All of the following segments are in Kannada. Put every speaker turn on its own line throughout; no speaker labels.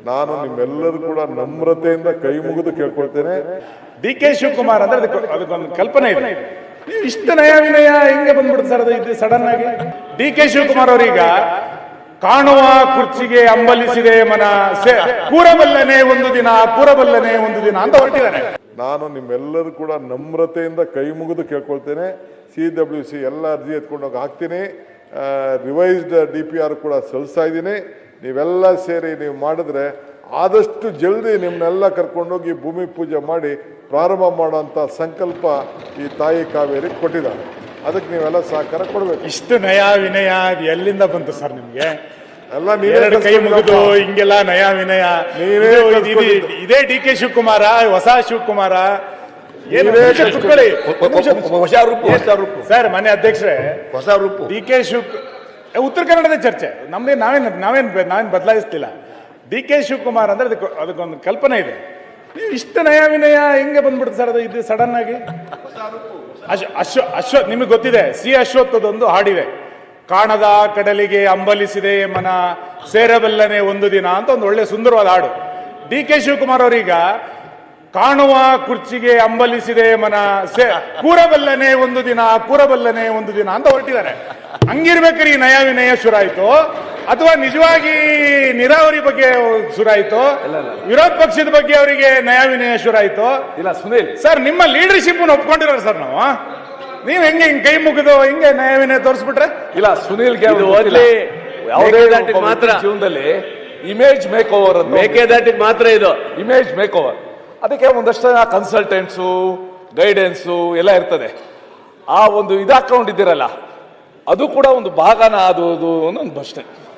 ನಾನು ನಿಮ್ಮೆಲ್ಲರೂ ಕೂಡ ನಮ್ರತೆಯಿಂದ ಕೈ ಮುಗಿದು ಕೇಳ್ಕೊಳ್ತೇನೆ.
ಡಿ.ಕೆ. ಶಿವಕುಮಾರ್ ಅಂದ್ರೆ ಅದಕ್ಕೊಂದು ಕಲ್ಪನೆ ಇದೆ. ನೀವು ಇಷ್ಟು ನಯ ವಿನಯ ಹೆಂಗೆ ಬಂದ್ಬಿಡುತ್ತೆ ಸರ್? ಅದು ಇದು ಸಡನ್ ಆಗಿ ಡಿ.ಕೆ. ಶಿವಕುಮಾರ್ ಅವರೀಗ ಕಾಣುವ ಕುರ್ಚಿಗೆ ಅಂಬಲಿಸಿದೆ ಮನ, ಕೂರಬಲ್ಲನೆ ಒಂದು ದಿನ, ಕೂರಬಲ್ಲನೆ ಒಂದು ದಿನ ಅಂತ ಹೊರಟಿದ್ದಾರೆ.
ನಾನು ನಿಮ್ಮೆಲ್ಲರೂ ಕೂಡ ನಮ್ರತೆಯಿಂದ ಕೈ ಮುಗಿದು ಕೇಳ್ಕೊಳ್ತೇನೆ. CWC ಎಲ್ಲ ಅರ್ಜಿ ಎತ್ಕೊಂಡೋಗಿ ಹಾಕ್ತೀನಿ. ರಿವೈಸ್ಡ್ DPR ಕೂಡ ಸಲ್ಲಿಸ್ತಾ ಇದ್ದೀನಿ. ನೀವೆಲ್ಲ ಸೇರಿ ನೀವು ಮಾಡಿದ್ರೆ ಆದಷ್ಟು ಜಲ್ದಿ ನಿಮ್ಮನ್ನೆಲ್ಲ ಕರ್ಕೊಂಡೋಗಿ ಭೂಮಿ ಪೂಜೆ ಮಾಡಿ ಪ್ರಾರಂಭ ಮಾಡುವಂಥ ಸಂಕಲ್ಪ ಈ ತಾಯಿ ಕಾವೇರಿ ಕೊಟ್ಟಿದ್ದಾರೆ. ಅದಕ್ಕೆ ನೀವೆಲ್ಲ ಸಹಕಾರ ಕೊಡಬೇಕು.
ಇಷ್ಟು ನಯ ವಿನಯ ಅದು ಎಲ್ಲಿಂದ ಬಂತು ಸರ್ ನಿಮ್ಗೆ?
ಎಲ್ಲ ನೀವೇ
ಕೈ ಮುಗಿದು ಹಿಂಗೆಲ್ಲ ನಯ ವಿನಯ, ಇದೇ ಡಿ.ಕೆ. ಶಿವಕುಮಾರ, ಹೊಸ ಶಿವಕುಮಾರ? ಸರ್ ಮನೆ ಅಧ್ಯಕ್ಷರೇ,
ಹೊಸ ರೂಪು
ಡಿ.ಕೆ. ಉತ್ತರ ಕನ್ನಡದ ಚರ್ಚೆ ನಮ್ದೇ, ನಾವೇನ್ ಬದಲಾಯಿಸ್ತಿಲ್ಲ. ಡಿ.ಕೆ. ಶಿವಕುಮಾರ್ ಅಂದ್ರೆ ಅದಕ್ಕೊಂದು ಕಲ್ಪನೆ ಇದೆ. ನೀವು ಇಷ್ಟು ನಯ ವಿನಯ ಹೆಂಗೆ ಬಂದ್ಬಿಡುತ್ತೆ ಸರ್? ಅದು ಇದು ಸಡನ್ ಆಗಿ ಅಶ್ವಥ್ ನಿಮಗೆ ಗೊತ್ತಿದೆ, ಅಶ್ವತ್ಥದೊಂದು ಹಾಡಿದೆ, ಕಾಣದ ಕಡಲಿಗೆ ಅಂಬಲಿಸಿದೆ ಮನ, ಸೇರಬಲ್ಲನೆ ಒಂದು ದಿನ ಅಂತ ಒಂದು ಒಳ್ಳೆ ಸುಂದರವಾದ ಹಾಡು. ಡಿ.ಕೆ. ಶಿವಕುಮಾರ್ ಅವರೀಗ ಕಾಣುವ ಕುರ್ಚಿಗೆ ಅಂಬಲಿಸಿದೆ ಮನ, ಕೂರಬಲ್ಲನೆ ಒಂದು ದಿನ, ಕೂರಬಲ್ಲನೆ ಒಂದು ದಿನ ಅಂತ ಹೊರಟಿದ್ದಾರೆ. ಹಂಗಿರ್ಬೇಕಾದ್ರೆ ಈ ನಯ ವಿನಯ ಶುರಾಯಿತು ಅಥವಾ ನಿಜವಾಗಿ ನೀರಾವರಿ ಬಗ್ಗೆ ಶುರಾಯಿತು, ವಿರೋಧ ಪಕ್ಷದ ಬಗ್ಗೆ ಅವರಿಗೆ ನಯ ವಿನಯ ಶುರಾಯಿತು?
ಇಲ್ಲ ಸುನೀಲ್
ಸರ್, ನಿಮ್ಮ ಲೀಡರ್ಶಿಪ್ ಒಪ್ಕೊಂಡಿರೋ ಸರ್ ನಾವು. ನೀವ್ ಹೆಂಗೆ ಕೈ ಮುಗಿದು ಹಿಂಗೆ ನಯ ವಿನಯ ತೋರಿಸ್ಬಿಟ್ರೆ?
ಇಲ್ಲ ಸುನೀಲ್ಗೆ ಮಾತ್ರ ಜೀವನದಲ್ಲಿ ಇಮೇಜ್ ಮೇಕ್ ಓವರ್ ಅಂತ, ಮೇಕೆದಾಟಿಗೆ ಮಾತ್ರ ಇದು ಇಮೇಜ್ ಮೇಕ್ ಓವರ್. ಅದಕ್ಕೆ ಒಂದಷ್ಟು ಕನ್ಸಲ್ಟೆಂಟ್ಸು, ಗೈಡೆನ್ಸು ಎಲ್ಲ ಇರ್ತದೆ. ಆ ಒಂದು ಹಾಕೊಂಡಿದ್ದೀರಲ್ಲ, ಅದು ಕೂಡ ಒಂದು ಭಾಗನ ಅದು ಒಂದು ಅಷ್ಟೇ.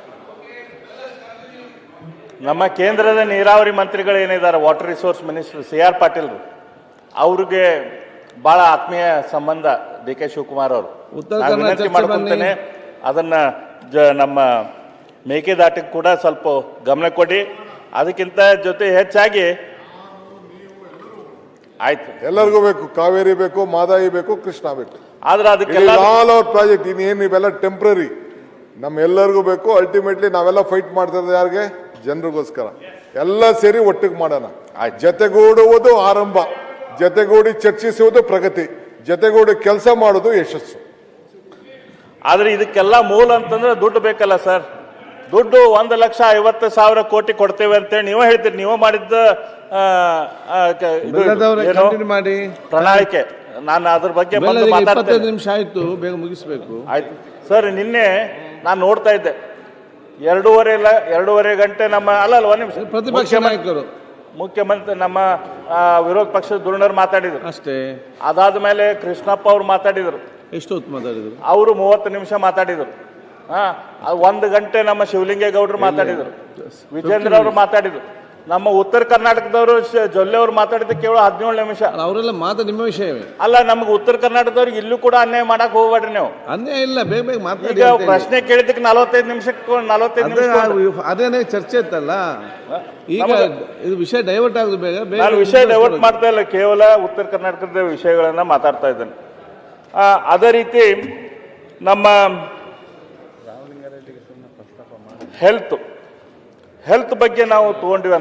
ನಮ್ಮ ಕೇಂದ್ರದ ನೀರಾವರಿ ಮಂತ್ರಿಗಳು ಏನಿದ್ದಾರೆ, water resource minister C.R. Patil, ಅವ್ರಿಗೆ ಬಹಳ ಆತ್ಮೀಯ ಸಂಬಂಧ ಡಿ.ಕೆ. ಶಿವಕುಮಾರ್ ಅವರು. ವಿನಂತಿ ಮಾಡ್ಕೊಳ್ತೇನೆ, ಅದನ್ನ ನಮ್ಮ ಮೇಕೆದಾಟಿಗೆ ಕೂಡ ಸ್ವಲ್ಪ ಗಮನ ಕೊಡಿ. ಅದಕ್ಕಿಂತ ಜೊತೆ ಹೆಚ್ಚಾಗಿ ಆಯ್ತು,
ಎಲ್ಲರಿಗೂ ಬೇಕು, ಕಾವೇರಿ ಬೇಕು, ಮಾದಾಯಿ ಬೇಕು, ಕೃಷ್ಣ ಬೇಕು.
ಆದ್ರೆ ಅದಕ್ಕೆಲ್ಲ
ಆಲ್ ಅವರ್ ಪ್ರಾಜೆಕ್ಟ್ ಇನ್ನೇನು ಇವೆಲ್ಲ ಟೆಂಪ್ರರಿ, ನಮ್ಮೆಲ್ಲರಿಗೂ ಬೇಕು. ಅಲ್ಟಿಮೇಟ್ಲಿ ನಾವೆಲ್ಲ ಫೈಟ್ ಮಾಡ್ತಾ ಇರೋದು ಯಾರಿಗೆ? ಜನರಿಗೋಸ್ಕರ. ಎಲ್ಲ ಸೇರಿ ಒಟ್ಟಿಗೆ ಮಾಡೋಣ. ಜತೆಗೂಡುವುದು ಆರಂಭ, ಜತೆಗೂಡಿ ಚರ್ಚಿಸುವುದು ಪ್ರಗತಿ, ಜತೆಗೂಡಿ ಕೆಲಸ ಮಾಡೋದು ಯಶಸ್ಸು.
ಆದ್ರೆ ಇದಕ್ಕೆಲ್ಲ ಮೂಲ ಅಂತಂದ್ರೆ ದುಡ್ಡು ಬೇಕಲ್ಲ ಸರ್. ದುಡ್ಡು 1,50,000 ಕೋಟಿ ಕೊಡ್ತೇವೆ ಅಂತೇಳಿ ನೀವೇ ಹೇಳ್ತೀರಿ. ನೀವು ಮಾಡಿದ್ದ ಪ್ರಣಾಳಿಕೆ, ನಾನು ಅದ್ರ ಬಗ್ಗೆ
ನಿಮಿಷ ಆಯ್ತು, ಬೇಗ ಮುಗಿಸ್ಬೇಕು.
ಆಯ್ತು ಸರ್. ನಿನ್ನೆ ನಾನು ನೋಡ್ತಾ ಇದ್ದೆ, 2.5 ಗಂಟೆ ನಮ್ಮ ಒಂದ್ ನಿಮಿಷ
ಪ್ರತಿಪಕ್ಷ ನಾಯಕರು,
ಮುಖ್ಯಮಂತ್ರಿ, ನಮ್ಮ ವಿರೋಧ ಪಕ್ಷದ ಧುರೀಣರು ಮಾತಾಡಿದ್ರು
ಅಷ್ಟೇ.
ಅದಾದ ಮೇಲೆ ಕೃಷ್ಣಪ್ಪ ಅವ್ರು ಮಾತಾಡಿದ್ರು.
ಎಷ್ಟು ಹೊತ್ತು ಮಾತಾಡಿದ್ರು?
ಅವರು 30 ನಿಮಿಷ ಮಾತಾಡಿದ್ರು. 1 ಗಂಟೆ ನಮ್ಮ ಶಿವಲಿಂಗೇಗೌಡರು ಮಾತಾಡಿದ್ರು, ವಿಜೇಂದ್ರ ಅವರು ಮಾತಾಡಿದ್ರು. ನಮ್ಮ ಉತ್ತರ ಕರ್ನಾಟಕದವರು ಜೊಲ್ಲೆ ಅವರು ಮಾತಾಡಿದ ಕೇವಲ 17 ನಿಮಿಷ.
ಅವರೆಲ್ಲ ನಿಮ್ಮ ವಿಷಯವೇ
ಅಲ್ಲ. ನಮ್ಗೆ ಉತ್ತರ ಕರ್ನಾಟಕದವ್ರಿಗೆ ಇಲ್ಲೂ ಕೂಡ ಅನ್ಯಾಯ ಮಾಡಕ್ ಹೋಗ್ಬೇಡ್ರಿ ನೀವು.
ಅನ್ಯಾಯ ಇಲ್ಲ, ಬೇಗ ಬೇಗ ಮಾತಾಡಿ.
ಈಗ ಪ್ರಶ್ನೆ ಕೇಳಿದಕ್ಕೆ 45 ನಿಮಿಷ
ಅದೇನೇ ಚರ್ಚೆ ಇತ್ತಲ್ಲ. ಈಗ ಇದು ವಿಷಯ ಡೈವರ್ಟ್ ಆಗುದು. ಬೇಗ ಬೇಗ
ನಾನು ವಿಷಯ ಡೈವರ್ಟ್ ಮಾಡ್ತಾ ಇಲ್ಲ, ಕೇವಲ ಉತ್ತರ ಕರ್ನಾಟಕದ ವಿಷಯಗಳನ್ನ ಮಾತಾಡ್ತಾ ಇದ್ದೇನೆ. ಅದೇ ರೀತಿ ನಮ್ಮ ಹೆಲ್ತ್ ಬಗ್ಗೆ ನಾವು ತಗೊಂಡಿವಿ.